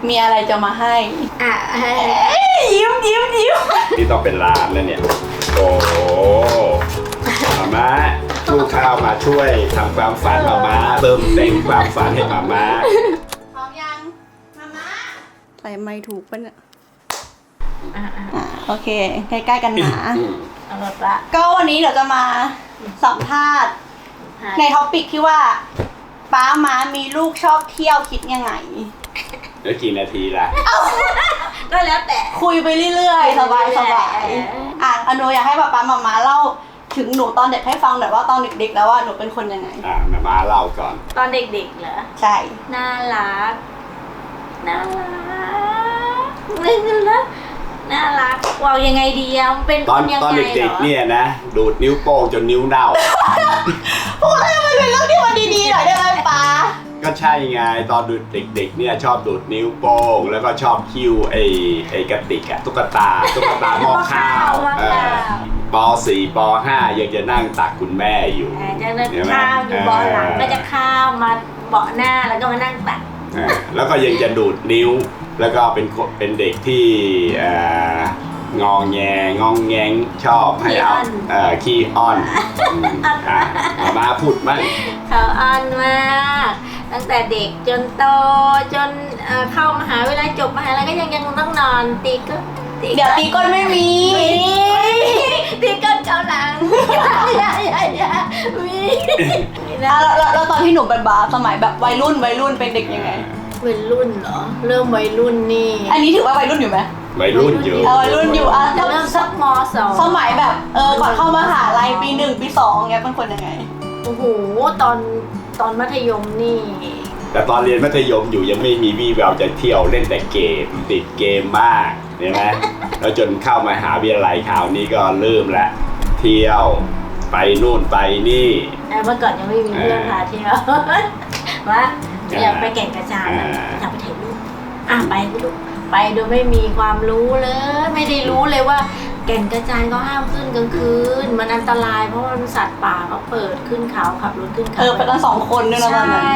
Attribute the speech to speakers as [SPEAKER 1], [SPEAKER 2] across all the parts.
[SPEAKER 1] มีอะไรจะมาให้ยิ้ม
[SPEAKER 2] นี่ต้องเป็นร้านแล้วเนี่ยโอ้โหมาตู้ข้าวมาช่วยทำความฝันมาเติมแต่งความฝันให้มา
[SPEAKER 1] พร้อมยังมาใส่ไม้ถูกปะเนี่ยโอเคใกล้ๆกันนะ
[SPEAKER 3] เอาละปะ
[SPEAKER 1] ก็วันนี้เดี๋ยวจะมาสัมภาษณ์ในท็อปิกที่ว่าป้าม้ามีลูกชอบเที่ยวคิดยังไง
[SPEAKER 2] แล้วกี่นาทีล่ะ
[SPEAKER 3] ก็แล้วแต่
[SPEAKER 1] คุยไปเรื่อยๆสบายอนุอยากให้ป้ามาเล่าถึงหนูตอนเด็กให้ฟังหน่อยว่าตอนเด็กๆแล้วว่าหนูเป็นคนยังไง
[SPEAKER 2] มาเล่าก่อน
[SPEAKER 3] ตอนเด็กๆเหรอ
[SPEAKER 1] ใช่
[SPEAKER 3] น่ารักไม่รู้นะน่ารักว่ายังไงดีอะเป็นคนยังไง
[SPEAKER 2] ตอนเด็กๆเนี่ยนะดูดนิ้วโป้งจนนิ้วเน่า
[SPEAKER 1] พูดให้มันเป็นเรื่องที่มันดีๆหน่อยได้ไหมป้า
[SPEAKER 2] ก็ใช่ไงตอนดูเด็กๆเนี่ยชอบดูดนิ้วโป้งแล้วก็ชอบคิ้วไอ้กระติกอะตุ๊กตาหม้อข้าวป.4 ป.5 ยังจะนั่งตักคุณแม่อยู่
[SPEAKER 3] จะนั่งข้าวอยู่เบาะหลังก็จะข้าวมาเบาะหน้าแล้วก็มานั่งตัก
[SPEAKER 2] แล้วก็ยังจะดูดนิ้วแล้วก็เป็นเด็กที่งองแงงชอบให้เอาขี้อ้อนมาพูดมั้ง
[SPEAKER 3] เขาอ้อนมากตั้งแต่เด็กจนโตจนเข้ามหาวิทยาลัยจบมหาวิทยาลัยก็ยังต้องนอนตีก็
[SPEAKER 1] เดี๋ยวตีก้นไม่มี
[SPEAKER 3] ตีก้นเกาหลังมี
[SPEAKER 1] แล้วตอนที่หนูเป็นบาสมัยแบบวัยรุ่นเป็นเด็กยังไง
[SPEAKER 3] วัยรุ่นเหรอเริ่มวัยรุ่นนี่
[SPEAKER 1] อันนี้ถือว่าวัยรุ่นอยู่ไหม
[SPEAKER 2] วัยรุ่นอยู่
[SPEAKER 1] วัยรุ่นอยู่
[SPEAKER 3] เริ่มสักม.2
[SPEAKER 1] สมัยแบบก่อนเข้ามหาลัยปี 1 ปี 2เงี้ยเป็นคนยังไง
[SPEAKER 3] โอ้โหตอนมัธยมนี่
[SPEAKER 2] แต่ตอนเรียนมัธยมอยู่ยังไม่มีวี่แววจะเที่ยวเล่นแต่เกมติดเกมมากเห็นไหมแล้วจนเข้ามหาวิทยาลัยคราวนี้ก็เริ่มละเที่ยวไปนู่นไปนี่
[SPEAKER 3] เมื่อก่อนยังไม่มีเพื่อนพาเที่ยวว่าอยากไปแก่งกระจานอยากไปถ่ายรูปไปลูกไปโดยไม่มีความรู้เลยไม่ได้รู้เลยว่าแก่งกระจานเขาห้ามขึ้นกลางคืนมันอันตรายเพราะมันสัตว์ป่าเขาเปิดขึ้นเขาขับรถขึ้นเขา
[SPEAKER 1] ไปกัน2 คนด้วยนะ
[SPEAKER 3] ใช่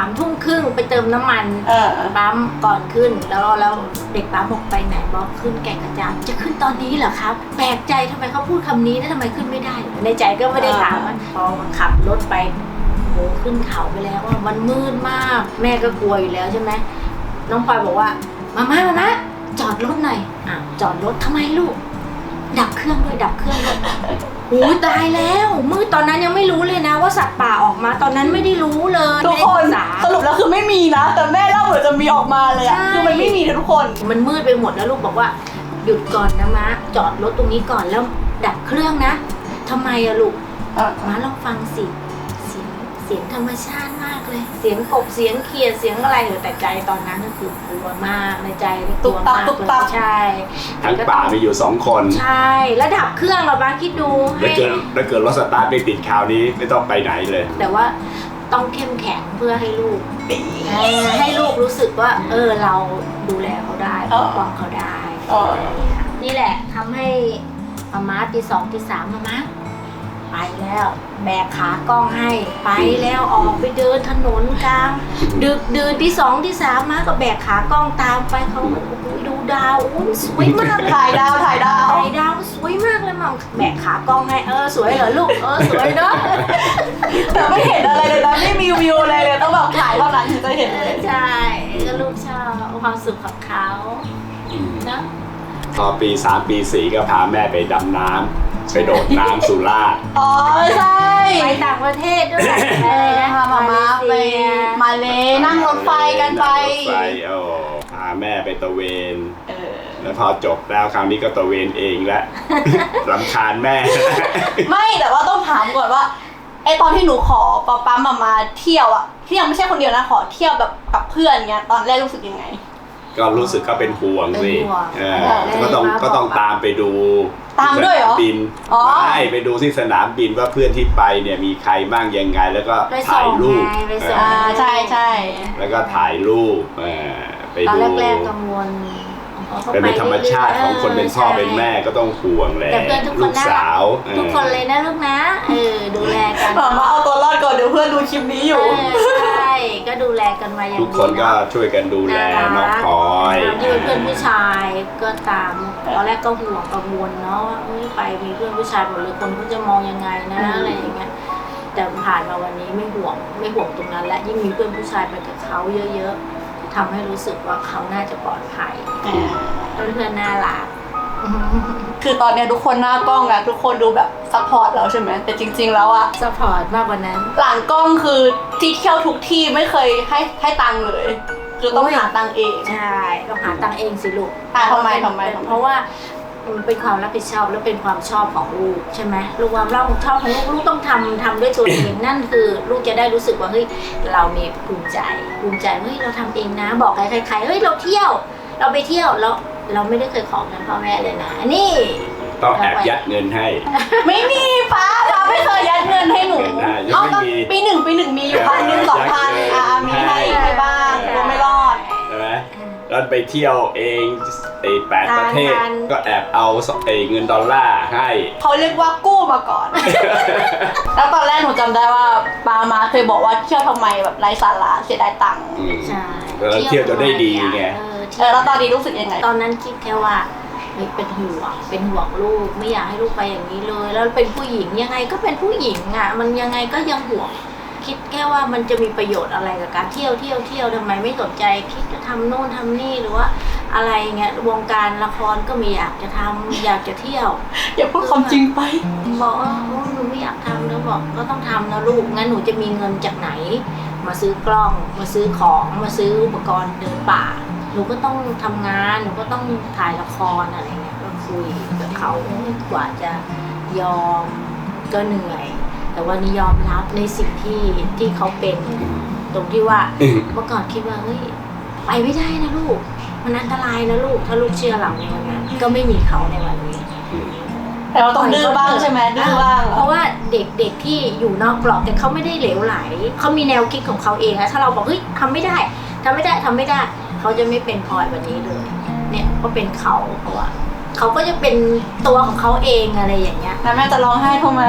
[SPEAKER 3] 3:30ไปเติมน้ำมันปั๊มก่อนขึ้นแล้วเด็กปั๊มบอกไปไหนบอกขึ้นแก่งกระจานจะขึ้นตอนนี้เหรอครับแปลกใจทำไมเขาพูดคำนี้แล้วทำไมขึ้นไม่ได้ในใจก็ไม่ได้ถามพอขับรถไปโหขึ้นเขาไปแล้วว่ามันมืดมากแม่ก็กลัวอยู่แล้วใช่ไหมน้องพลอยบอกว่ามาจอดรถหน่อยจอดรถทำไมลูกดับเครื่องด้วยโอ้ยตายแล้วมืดตอนนั้นยังไม่รู้เลยนะว่าสัตว์ป่าออกมาตอนนั้นไม่ได้รู้เลย
[SPEAKER 1] ทุกคนสรุปแล้วคือไม่มีนะแต่แม่เล่าเหมือนจะมีออกมาเลยอะคือมันไม่มีนะทุกคน
[SPEAKER 3] มันมืดไปหมดแล้วลูกบอกว่าหยุดก่อนนะม้าจอดรถตรงนี้ก่อนแล้วดับเครื่องนะทำไมอะลูกม้าลองฟังสิเสียงธรรมชาติมากเลยเสียงกบเสียงเขียดเสียงอะไรแต่ใจตอนนั้นก็คือกลัวมากในใจกลัวมากเลยใช่
[SPEAKER 2] ทั้งป่ามีอยู่2 คน
[SPEAKER 3] ใช่แล้วดับเครื่องเราบ้างคิดดู
[SPEAKER 2] แล้วเกิดรถสตาร์ทไม่ติดคราวนี้ไม่ต้องไปไหนเลย
[SPEAKER 3] แต่ว่าต้องเข้มแข็งเพื่อให้ลูกรู้สึกว่าเราดูแลเขาได้ปกป้องเขาได้นี่แหละทำให้ม้าตี 2 ตี 3ม้าไปแล้วแบกขากล้องให้ไปแล้วออกไปเดินถนนกลางดึกดื่นที่ 2 ที่ 3มาก็แบกขากล้องตามไปเขาดูดาวสวยมาก
[SPEAKER 1] ถ่ายดาว
[SPEAKER 3] สวยมากเลยมั่งแบกขากล้องให้สวยเหรอลูกสวยเนาะ
[SPEAKER 1] แต่ไม่เห็นอะไรเลยนะไม่มีวิวอะไรเลยต้องแบบถ่ายเท่านั้นถึงจะเห็นเลย
[SPEAKER 3] ใช่ก็ลูกชอบความสุขของเขาเนาะ
[SPEAKER 2] พอปี 3 ปี 4ก็พาแม่ไปดำน้ำไปโดดน้ำสุราษฎร์
[SPEAKER 1] ใช่
[SPEAKER 3] ไปต่างประเทศด้วย
[SPEAKER 1] พามาไปมาเลยนั่งรถไฟกันไป
[SPEAKER 2] พาแม่ไปตะเวนแล้วพอจบแล้วคราวนี้ก็ตะเวนเองแล้วรำคาญแม่
[SPEAKER 1] ไม่แต่ว่าต้องถามก่อนว่าตอนที่หนูขอป๊ามาเที่ยวอะที่ยังไม่ใช่คนเดียวนะขอเที่ยวแบบกับเพื่อนเงี้ยตอนแรกรู้สึกยังไง
[SPEAKER 2] ก็รู้สึกก็เป็นห่วงสิก็ต้องตามไปดู
[SPEAKER 1] ตามด้วยเหรอ
[SPEAKER 2] บินไปดูที่สนามบินว่าเพื่อนที่ไปเนี่ยมีใครบ้างยังไงแล้วก็ถ่ายรูป
[SPEAKER 1] ใช่
[SPEAKER 2] แล้วก็ถ่ายรูปไปดู
[SPEAKER 3] ตอนแรกกังวล
[SPEAKER 2] เป็นธรรมชาติของคนเป็นพ่อเป็นแม่ก็ต้องห่วงแหละลูกสาว
[SPEAKER 3] ทุกคนเลยนะลูกนะดูแลกัน
[SPEAKER 1] มาเอาตัวรอดก่อนเดี๋ยวเพื่อนดูคลิปนี้อยู่
[SPEAKER 3] ใช่ก็ดูแลกันมาอย่าง
[SPEAKER 2] ทุกคนก็ช่วยกันดูแลน้องพลอ
[SPEAKER 3] พื่อนผู้ชายก็ตามตอนแรกก็ห่วงกังวลเนาะว่าไปมีเพื่อนผู้ชายหมดเลยคนเขาจะมองยังไงนะอะไรอย่างเงี้ยแต่ผ่านมาวันนี้ไม่ห่วงตรงนั้นและยิ่งมีเพื่อนผู้ชายไปกับเขาเยอะๆทำให้รู้สึกว่าเขาน่าจะปลอดภัยเพื่อนๆน่ารัก
[SPEAKER 1] คือตอนเนี้ยทุกคนหน้ากล้องอะทุกคนดูแบบซัพพอร์ตเราใช่ไหมแต่จริงๆแล้วอะ
[SPEAKER 3] ซัพพอร์ตมากกว่านั้น
[SPEAKER 1] หลังกล้องคือที่เที่ยวทุกที่ไม่เคยให้ตังค์เลยคือต้องหาตังค์เอง
[SPEAKER 3] ใช่ต้องหาตังค์เองสิลูก
[SPEAKER 1] ทำไม
[SPEAKER 3] เพราะว่ามันเป็นความรับผิดชอบและเป็นความชอบของลูกใช่ไหมลูกความรับผิดชอบของลูกต้องทำด้วยตัวเอง นั่นคือลูกจะได้รู้สึกว่าเฮ้ยเรามีภูมิใจเฮ้ยเราทำเองนะบอกใครๆเฮ้ยเราเที่ยวเราไปเที่ยวแล้วเราไม่ได้เคยขอเงินพ่อแม่เลยนะนี่
[SPEAKER 2] ต้องแอบยัดเงินให้
[SPEAKER 1] ไม่มีป้าเราไม่เคยยัดเงินให้หนู
[SPEAKER 2] ยังไม่มี
[SPEAKER 1] ปีหนึ่งมีอยู่1,000 2,000มีให้บ้างก็ไม่รอด
[SPEAKER 2] ใช่ไหมแล้วไปเที่ยวเอง8 ประเทศก็แอบเอาเงินดอลลาร์ให้
[SPEAKER 1] เขาเรียกว่ากู้มาก่อน แล้วตอนแรกหนูจำได้ว่าปามาเคยบอกว่าเที่ยวทำไมแบบไร้สาระเสียดายตังค์
[SPEAKER 3] ใช่
[SPEAKER 2] แล้วเที่ยวจะได้ดีไง
[SPEAKER 1] แล้วตอนนี้รู้สึกยังไง
[SPEAKER 3] ตอนนั้นคิดแค่ว่าเป็นห่วงลูกไม่อยากให้ลูกไปอย่างนี้เลย แล้วเป็นผู้หญิงยังไงก็เป็นผู้หญิงอ่ะมันยังไงก็ยังห่วงคิดแค่ว่ามันจะมีประโยชน์อะไรกับการเที่ยวทำไมไม่สนใจคิดจะทำโน่นทำนี่หรือว่าอะไรเงี้ยวงการละครก็ไม่อยากจะทำอยากจะเที่ยว
[SPEAKER 1] อย่าพูดความจริงไป
[SPEAKER 3] บอกว่าหนูไม่อยากทำแล้วบอกก็ต้องทำนะลูกงั้นหนูจะมีเงินจากไหนมาซื้อกล้องมาซื้อของมาซื้ออุปกรณ์เดินป่าหนูก็ต้องทำงานหนูก็ต้องถ่ายละครอะไรเงี้ยก็คุยกับเขากว่าจะยอมก็เหนื่อยแต่วันนี้ยอมรับในสิ่งที่เขาเป็นตรงที่ว่าเมื่อก่อนคิดว่าเฮ้ยไปไม่ได้นะลูกมันอันตรายนะลูกถ้าลูกเชื่อเราในวันนั้นก็ไม่มีเขาในวันนี้
[SPEAKER 1] แต่เราต้องดื้อบ้างใช่ไหมดื้อบ้าง
[SPEAKER 3] เพราะว่าเด็กที่อยู่นอกกรอบแต่เขาไม่ได้เหลวไหลเขามีแนวคิดของเขาเองนะถ้าเราบอกเฮ้ยทำไม่ได้เขาจะไม่เป็นพลอยวันนี้เลยเนี่ยก็เป็นเขาเพราะว่าเขาก็จะเป็นตัวของเขาเองอะไรอย่างเงี้ย
[SPEAKER 1] แล้วแม่จะร้องไห้ทำไม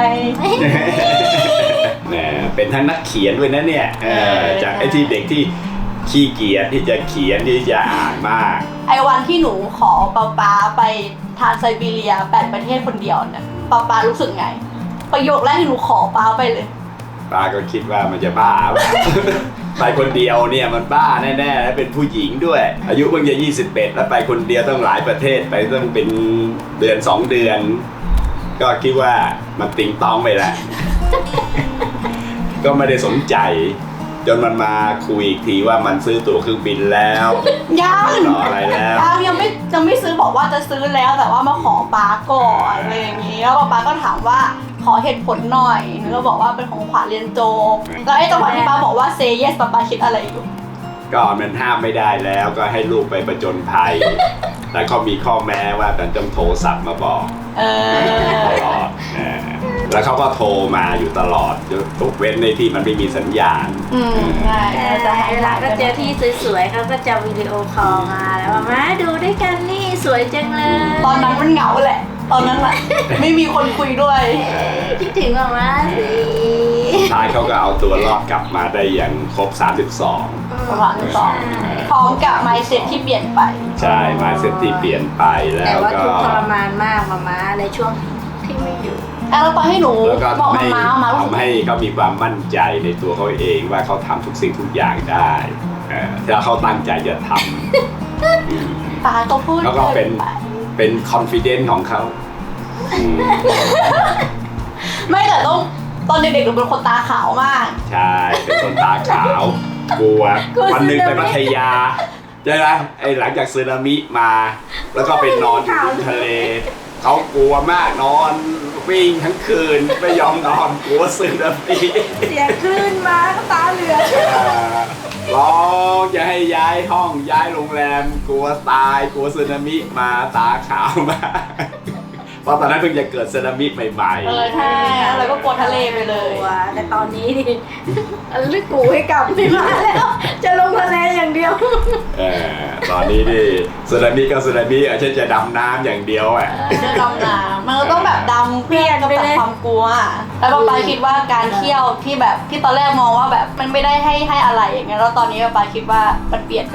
[SPEAKER 2] แหมเป็นทั้งนักเขียนด้วยนะเนี่ยจากไอ้ที่เด็กที่ขี้เกียจที่จะเขียนที่จะอ่านมาก
[SPEAKER 1] ไอ้วันที่หนูขอป๊าไปทานไซบีเรีย8 ประเทศคนเดียวเนี่ยป๊ารู้สึกไงประโยคแรกที่หนูขอป๊าไปเลย
[SPEAKER 2] ป้าก็คิดว่ามันจะบ้า ไปคนเดียวเนี่ยมันบ้าแน่ๆแล้วเป็นผู้หญิงด้วย อายุเพิ่งจะ21แล้วไปคนเดียวต้องหลายประเทศไปต้องเป็นเดือน2 เดือน ก็คิดว่ามันติงตองไปแล้ว ก็ไม่ได้สนใจจนมันมาคุยอีกทีว่ามันซื้อตั๋วเครื่องบินแล้ว
[SPEAKER 1] ยัง
[SPEAKER 2] ต่ออะไรแล้ว
[SPEAKER 1] ยังไม่ซื้อบอกว่าจะซื้อแล้วแต่ว่ามาขอป๊าก่อนอะไรอย่างนี้แล้วป๊าก็ถามว่าขอเหตุผลหน่อยหนูก็บอกว่าเป็นของขวัญเรียนจบแล้วไอ้จังหวะที่ป๊าบอกว่า say yes ป๊าคิดอะไรอยู่
[SPEAKER 2] ก็มันห้ามไม่ได้แล้วก็ให้ลูกไปประจนภัย แต่เขามีข้อแม้ว่ามันต้องโทรศัพท์มาบอกตลอดแล้วเขาก็โทรมาอยู่ตลอดทุกเว้นในที่มันไม่มีสัญญาณ
[SPEAKER 1] ใช่จะให้
[SPEAKER 3] เวลาก็เจอที่สวยๆเขาก็จะวิดีโอคอลมาแล้วมาดูด้วยกันนี่สวยจังเลย
[SPEAKER 1] ตอนนั้นมันเหงาแหละตอนนั้นแหละ ไม่มีคนคุยด้วย
[SPEAKER 3] คิดถึงมาสิ
[SPEAKER 2] ท้ายเขาก็เอาตัวรอดกลับมาได้อย่างครบ 32
[SPEAKER 1] ประมาณ2พร้อมกับ mindset ที่เปลี่ยนไป
[SPEAKER 2] ใช่มาเซตที่เปลี่ยนไปแล้
[SPEAKER 3] แต่
[SPEAKER 2] ว
[SPEAKER 3] ว่า
[SPEAKER 2] ก็
[SPEAKER 3] ทุกข์ทรมานมากมาในช่วงที่ไม่อยู่
[SPEAKER 1] แล้วตอนให้หนู
[SPEAKER 2] แล้วก็
[SPEAKER 1] บอก
[SPEAKER 2] ทำให้
[SPEAKER 1] มารู้สึก
[SPEAKER 2] ทำให้เขามีความมั่นใจในตัวเขาเองว่าเขาทำทุกสิ่งทุกอย่างได้ถ้าเขาตั้งใจจะทำ
[SPEAKER 1] ตาก็พูด
[SPEAKER 2] แล้วก็เป็น
[SPEAKER 1] ไป
[SPEAKER 2] เป็น confidence ของเขา
[SPEAKER 1] ไม่แต่ต้องตอนเด็กๆหนูเป็นคนตาขาวมาก
[SPEAKER 2] ใช่เป็นคนตาขาว กลัววันหนึ่งไปพัทยาใช่ไหมไอ้หลังจากสึนามิมา แล้วก็ไปนอนอยู่ริมทะเลเขากลัวมากนอนวิ่งทั้งคืนไม่ยอมนอนกลัวสึนามิ
[SPEAKER 3] เสียงคลื่นมาก็ตาเหลือก
[SPEAKER 2] ร้องจะให้ย้ายห้องย้ายโรงแรมกลัวตายกลัวสึนามิมาตาขาวมากเพราะตอนนั้นเพิ่งจะเกิดสึนามิใหม่ๆ
[SPEAKER 1] ใช่แล้วก็กลัวทะเลไปเลย
[SPEAKER 3] แต่ตอนนี้นี่ลึกกูให้กลับไม่มาแล้ว จะลงทะเลอย่างเดียว
[SPEAKER 2] ตอนนี้นี่สึนามิก็สึนามิฉันจะดำน้ำอย่างเดียวอ่ะ
[SPEAKER 1] จะดำน้ำมันก็ต้องแบบดำเพื่อกำจัดความกลัว แล้วป๊าคิดว่าการเที่ยวที่แบบที่ตอนแรกมองว่าแบบมันไม่ได้ให้อะไรอย่างเงี้ยแล้วตอนนี้ป๊าคิดว่ามันเปลี่ยนไปไหม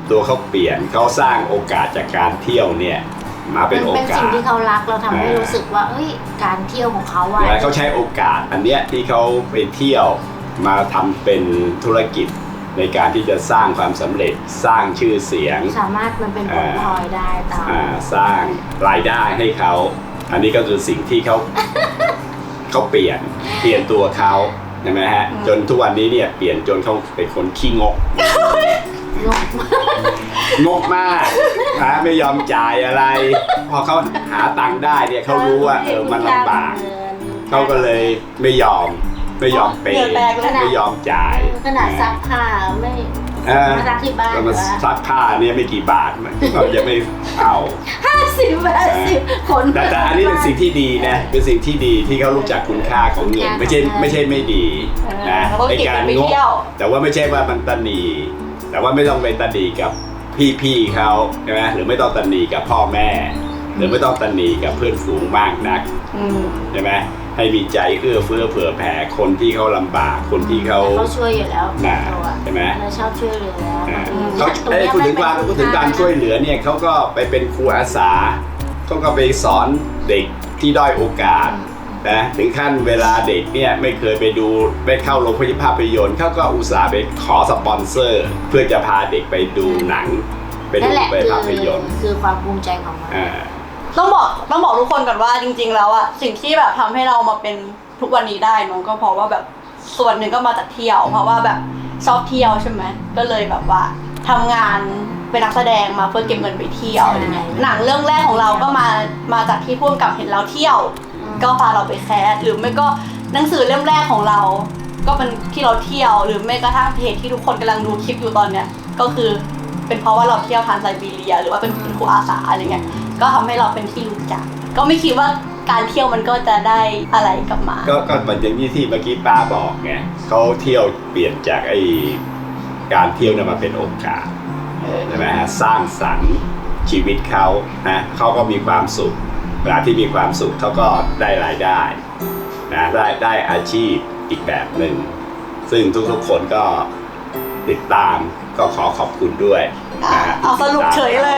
[SPEAKER 2] ตัวเขาเปลี่ยนเขาสร้างโอกาสจากการเที่ยวเนี่ยมาเป็นโอ
[SPEAKER 3] เป็น
[SPEAKER 2] กา
[SPEAKER 3] สิ่ง
[SPEAKER 2] ส
[SPEAKER 3] ที่เขารักเราทำให้รู้สึกว่าเอ้ยการเที่ยวของเขาอะ
[SPEAKER 2] แล้วเขาใช้โอกาสอันเนี้ยที่เขาไปเที่ยวมาทำเป็นธุรกิจในการที่จะสร้างความสำเร็จสร้างชื่อเสียง
[SPEAKER 3] สามารถมันเป็นผลพลอยได้ตาม
[SPEAKER 2] สร้างรายได้ให้เขาอันนี้ก็คือสิ่งที่เขา เขาเปลี่ยนตัวเขาใช่ไหมฮะจนทุกวันนี้เนี่ยเปลี่ยนจนเขาเป็นคนขี้งก
[SPEAKER 3] งก
[SPEAKER 2] งกมากนะไม่ยอมจ่ายอะไร พอเขาหาตังค์ได้เนี่ยเขารู้ว่ามันลำบากเขาก็เลยไม่ยอมเปย์ไม่ยอมจ่าย
[SPEAKER 3] ขนาดซักผ้าไม่มาซักที่บ้าน
[SPEAKER 2] มาซักผ้าเนี่ยไม่กี่บาทเราจะไม่เอา
[SPEAKER 3] 50 คน
[SPEAKER 2] แต่อันนี้เป็นสิ่งที่ดีนะเป็นสิ่งที่ดีที่เขารู้จักคุณค่าของเงินไม่ใช่ไม่ดีนะในการงกแต่ว่าไม่ใช่ว่ามันตะหนีแต่ว่าไม่ต้องไปตะหนีกับพี่ๆเขาใช่ไหมหรือไม่ต้องตะหนีกับพ่อแม่ หรือไม่ต้องตะหนีกับเพื่อนฝูงมากนักใช่ไหมให้มีใจเอื้อเฟื้อเผื่อแผ่คนที่เขาลำบากคนที่เขา
[SPEAKER 3] ช่วยอยู่แล้ว
[SPEAKER 2] ใช่ไหม
[SPEAKER 3] เราชอบช่วยเหลือ
[SPEAKER 2] เขาพูดถึงการช่วยเหลือเนี่ยเขาก็ไปเป็นครูอาสาเขาก็ไปสอนเด็กที่ด้อยโอกาสนะถึงขั้นเวลาเด็กเนี่ยไม่เคยไปเข้าโรงภาพยนตร์เขาก็อุตส่าห์ไปขอสปอนเซอร์ เพื่อจะพาเด็กไปดูหนังไปภาพยนตร์
[SPEAKER 3] คือความภูมิใจของมัน
[SPEAKER 1] ต้องบอกทุกคนก่อนว่าจริงๆแล้วอะสิ่งที่แบบทำให้เรามาเป็นทุกวันนี้ได้น้องก็เพราะว่าแบบส่วนหนึ่งก็มาจากเที่ยวเพราะว่าแบบชอบเที่ยวใช่ไหมก็เลยแบบว่าทำงานเป็นนักแสดงมาเพื่อเก็บเงินไปเที่ยวอะไรเงี้ยหนังเรื่องแรกของเราก็มาจากที่พ่วงกับเห็นเราเที่ยวก็พาเราไปแคสหรือไม่ก็หนังสือเล่มแรกของเราก็เป็นที่เราเที่ยวหรือไม่กระทั่งเพจที่ทุกคนกำลังดูคลิปอยู่ตอนเนี้ยก็คือเป็นเพราะว่าเราเที่ยวทรานไซบีเรียหรือว่าเป็นครูอาสาอะไรเงี้ยก็ทำให้เราเป็นที่รู้จักก็ไม่คิดว่าการเที่ยวมันก็จะได้อะไรกลับมา
[SPEAKER 2] ก็เหมือนอย่างที่เมื่อกี้ป้าบอกไงเขาเที่ยวเปลี่ยนจากการเที่ยวเนี่ยมาเป็นโอกาสใช่ไหมฮะสร้างสรรค์ชีวิตเขานะเขาก็มีความสุขเวลาที่มีความสุขเขาก็ได้รายได้นะได้อาชีพอีกแบบหนึ่งซึ่งทุกคนก็ติดตามก็ขอบคุณด้วย
[SPEAKER 1] เอาสรุปเฉยเลย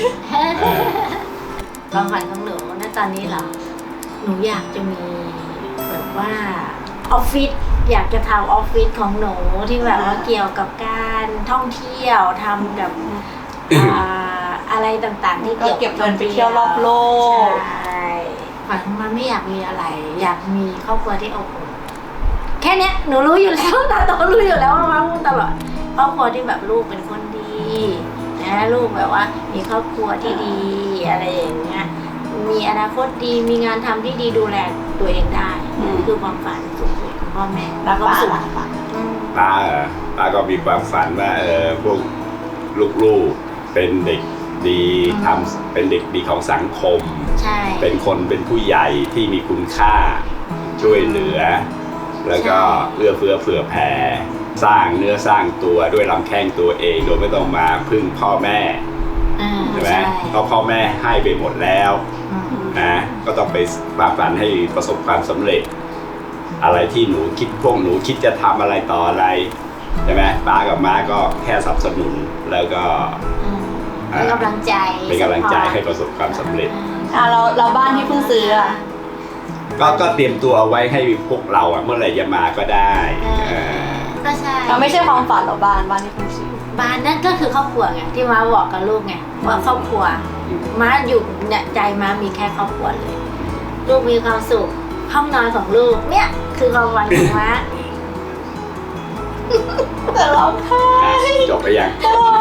[SPEAKER 3] ความฝันของหนูณตอนนี้เหรอหนูอยากจะมีแบบว่าออฟฟิศอยากจะทำออฟฟิศของหนูที่แบบว่าเกี่ยวกับการท่องเที่ยวทำกับอะไรต่างๆที่เกี่ยวกับ
[SPEAKER 1] เงินไปเที่ยวรอบโลก
[SPEAKER 3] ใช่ฝันมันไม่อยากมีอะไรอยากมีครอบครัวที่อบอุ่นแค่เนี้ยหนูรู้อยู่แล้วตาโตรู้อยู่แล้วว่ามาพูดตลอดครอบครัวที่แบบลูกเป็นคนดีนะลูกแบบว่ามีครอบครัวที่ดีอะไรอย่างเงี้ยมีอนาคตดีมีงานทำที่ดีดูแลตัวเองได้คือความฝันสูงสุดของพ่อแม่
[SPEAKER 1] แล้วก็สุด
[SPEAKER 2] ป้าก็มีความฝันว่าพวกลูกๆเป็นเด็กดีเป็นเด็กดีของสังคมเป็นคนเป็นผู้ใหญ่ที่มีคุณค่าช่วยเหลือแล้วก็เอื้อเฟื้อเผื่อแผ่สร้างเนื้อสร้างตัวด้วยลำแข้งตัวเองโดยไม่ต้องมาพึ่งพ่อแม่ใช่ไหมเพราะพ่อแม่ให้ไปหมดแล้วนะก็ต้องไปฝันให้ประสบความสำเร็จอะไรที่พวกหนูคิดจะทำอะไรต่ออะไรใช่ไหมป้ากับม้าก็แค่สนับสนุนแล้วก็
[SPEAKER 3] เป็นกำลังใจ
[SPEAKER 2] ให้ประสบความสำเร็จ
[SPEAKER 1] เราบ้านที่เพิ่งซื้อ
[SPEAKER 2] ก็เตรียมตัวเอาไว้ให้พวกเราเมื่อไหร่จะมาก็ได้
[SPEAKER 3] ก็ใช่
[SPEAKER 1] เราไม่ใช่ความฝันเราบ้านที่เพิ่งซื้อ
[SPEAKER 3] บ้านนั่นก็คือครอบครัวไงที่ม้าบอกกับลูกไงว่าครอบครัวม้าอยู่เนี่ยใจม้ามีแค่ครอบครัวเลยลูกมีความสุขห้องนอนของลูกเนี่ยคือความฝันของม้า
[SPEAKER 1] แต่เราแพ้
[SPEAKER 2] จบไปยัง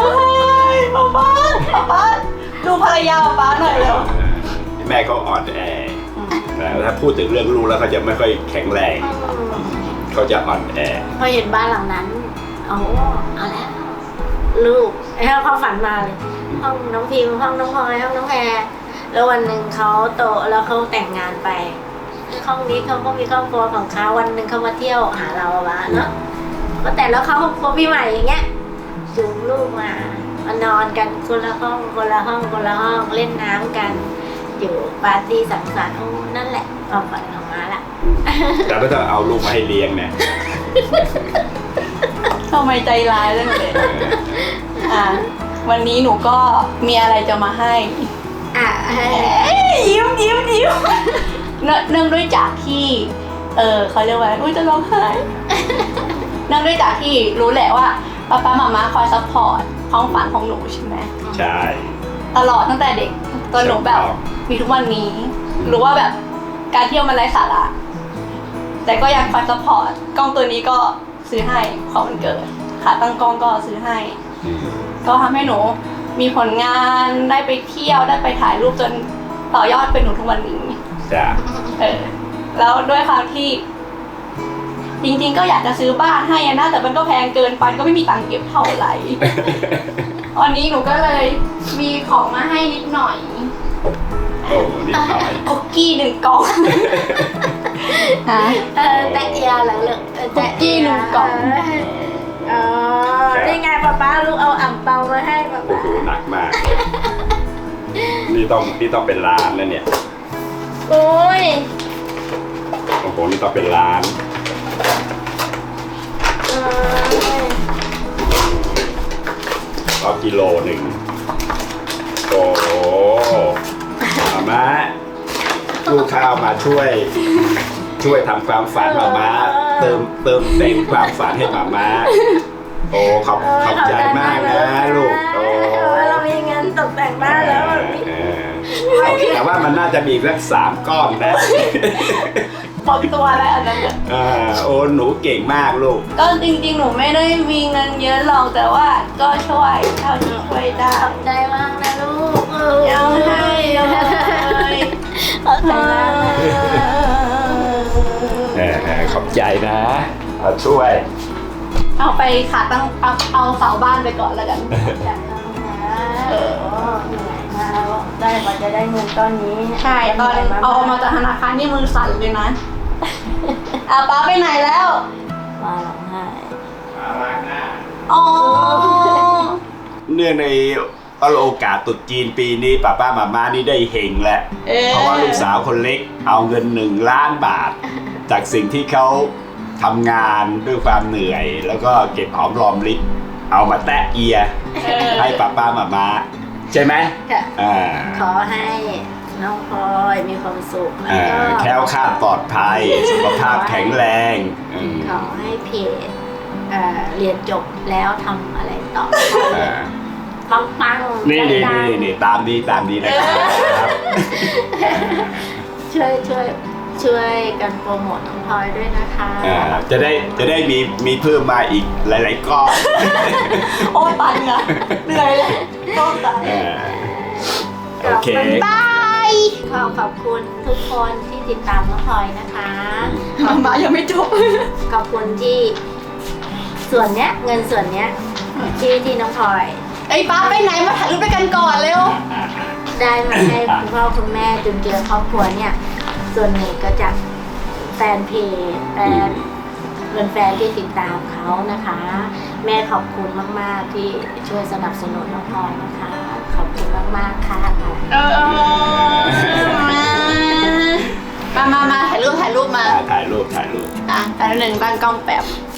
[SPEAKER 1] ป้าดูภรรยาป้าหน่อยเร็ว
[SPEAKER 2] แม่เขาอ่อนแอถ้าพูดถึงเรื่องลูกแล้วเขาจะไม่ค่อยแข็งแรงเขาจะอ่อนแอ
[SPEAKER 3] พอเห็นบ้านหลังนั้นเอาแล้วลูกเขาฝันมาเลยห้องน้องพิมห้องน้องพลอยห้องน้องแพรแล้ววันหนึ่งเขาโตแล้วเขาแต่งงานไปห้องนี้เขาก็มีครอบครัวของเขาวันหนึ่งเขามาเที่ยวหาเราบ้างเนาะก็แต่แล้วเขาครอบครัวพี่ใหม่อย่างเงี้ยจูงลูกมานอนกันคนละห้องเล่นน้ำกันอยู่ปาร์ตี้สังสรรค์นั่นแหละความฝันของม้าละ
[SPEAKER 2] แต่ไม่ต้องเอาลูกมาให้เลี้ยงเนี่ย
[SPEAKER 1] ทำไมใจร้ายเรื่องเลยวันนี้หนูก็มีอะไรจะมาให้
[SPEAKER 3] อ่ะ
[SPEAKER 1] ยิ้มเนื่องด้วยจากที่เขาเรียกว่าอุ้ยจะร้องไห้ เนื่องด้วยจากที่รู้แหละว่าป๊าป๊ามาม่าคอยซัพพอร์ตความฝันของหนูใช่ไหม
[SPEAKER 2] ใช่
[SPEAKER 1] ตลอดตั้งแต่เด็กจนหนูแบบมีทุกวันนี้รู้ว่าแบบการเที่ยวมันไร้สาระแต่ก็ยังคอยซัพพอร์ตกล้องตัวนี้ก็ซื้อให้ของวันเกิดขาตั้งกล้องก็ซื้อให้ ก็ทำให้หนูมีผลงานได้ไปเที่ยวได้ไปถ่ายรูปจนต่อยอดเป็นหนูทุกวันนี้
[SPEAKER 2] จ้ะ
[SPEAKER 1] แล้วด้วยความที่จริงๆก็อยากจะซื้อบ้านให้นะแต่มันก็แพงเกินไปก็ไม่มีตังค์เก็บเท่าไหร่ วันนี้หนูก็เลยมีของมาให้นิดหน่อย
[SPEAKER 2] โอ้นิดหน่อย
[SPEAKER 1] คุกกี้1 กล่อง
[SPEAKER 3] แตะเอียเหรอลูก
[SPEAKER 1] คุกกี้1 กล่อง
[SPEAKER 3] อ๋อนี่ไงป๊าลูกเอาอ่ำเปามาให้ป๊า
[SPEAKER 2] โอ้โหหนักมาก นี่ต้องเป็นล้านแล้วเนี่ย
[SPEAKER 3] โอ้ย
[SPEAKER 2] โอ้โหนี่ต้องเป็นล้านก็กิโลหนึ่งโอ้โหมาม่าลูกข้าวมาช่วยทำความฝันมาม่าเติมแต่งความฝันให้มาม่าโอ้ขอบใจมากนะลูกโอ้
[SPEAKER 3] เรามีเงินตกแต่งบ้านแล้วแบบนี้
[SPEAKER 2] แต่ว่ามันน่าจะมีสัก3 ก้อนนะ
[SPEAKER 1] หมดตัวแล้วอันนั้นน่ะ
[SPEAKER 2] โอ้หนูเก่งมากลูก
[SPEAKER 1] ก็จริงๆหนูไม่ได้มีเงินเยอะหรอกแต่ว่าก็ช่วยเท่าที่ช่วยได้
[SPEAKER 3] ขอบใจมากนะลูก
[SPEAKER 1] ยังให้เลย
[SPEAKER 3] ขอบใจมาก
[SPEAKER 2] ขอบใจนะมาช่วย
[SPEAKER 1] เอาไปขาตั้งเอาเสาบ้านไปก่อนแล้วกัน
[SPEAKER 3] อยากทำนะเหนื่อยมาแล้วได้กว่าจะได้เงินก้อนนี้
[SPEAKER 1] ใช่ตอนเอามาจากธนาคารนี่มือสั่นเลยนะเอาป้าไปไหนแล้ว
[SPEAKER 3] มาร้องไห้
[SPEAKER 1] อ๋อ
[SPEAKER 2] เนื่องในโอกาสตรุษจีนปีนี้ป้ามาม่านี่ได้เฮงแล้วเพราะว่าลูกสาวคนเล็กเอาเงิน1 ล้านบาท จากสิ่งที่เขาทำงานด้วยความเหนื่อย แล้วก็เก็บหอมรอมริบเอามาแตะเอียให้ป้ามาม่าใช่ไหม
[SPEAKER 3] ค่ะ
[SPEAKER 2] อ่า
[SPEAKER 3] ขอให้น้องพลอยมีความสุขแล้วก็
[SPEAKER 2] แคล้วคลาดปลอดภัย สุขภาพแข็งแรงอืม
[SPEAKER 3] ขอให้เพจเรียนจบแล้วทำอะไรต่อ
[SPEAKER 2] อ่า
[SPEAKER 3] ปังๆ
[SPEAKER 2] นี่
[SPEAKER 3] ดัง
[SPEAKER 2] ตามนี้นะครับ
[SPEAKER 3] ๆช่วยกันโปรโมทน้องพลอยด้วยนะคะ
[SPEAKER 2] จะได้มีเพิ่มมาอีกหลายๆก้อน
[SPEAKER 1] โอ้ตันอะเหนื่อยเลยโอ้ตัน
[SPEAKER 2] โอเค
[SPEAKER 1] บาย
[SPEAKER 3] ขอบคุณทุกคนที่ติดตามน้องพลอยนะคะ
[SPEAKER 1] มายังไม่จบ
[SPEAKER 3] ขอบคุณที่ส่วนเนี้ยเงินส่วนเนี้ยที่น้องพลอย
[SPEAKER 1] ไอ้ป้าไปไหนมาถ่ายรูปด้วยกันก่อนเร็ว
[SPEAKER 3] ได้มาให้คุณพ่อคุณแม่จนเจอครอบครัวเนี่ยส่วนหนึ่งก็จากแฟนเพจแฟนที่ติดตามเขานะคะ แม่ขอบคุณมากๆที่ช่วยสนับสนุนน้องพลอยนะคะ ขอบคุณมากๆค่ะ
[SPEAKER 1] มาถ่ายรูปมา
[SPEAKER 2] ถ่ายรูป
[SPEAKER 1] อ่ะแต่1ตั้งกล้องแป๊บ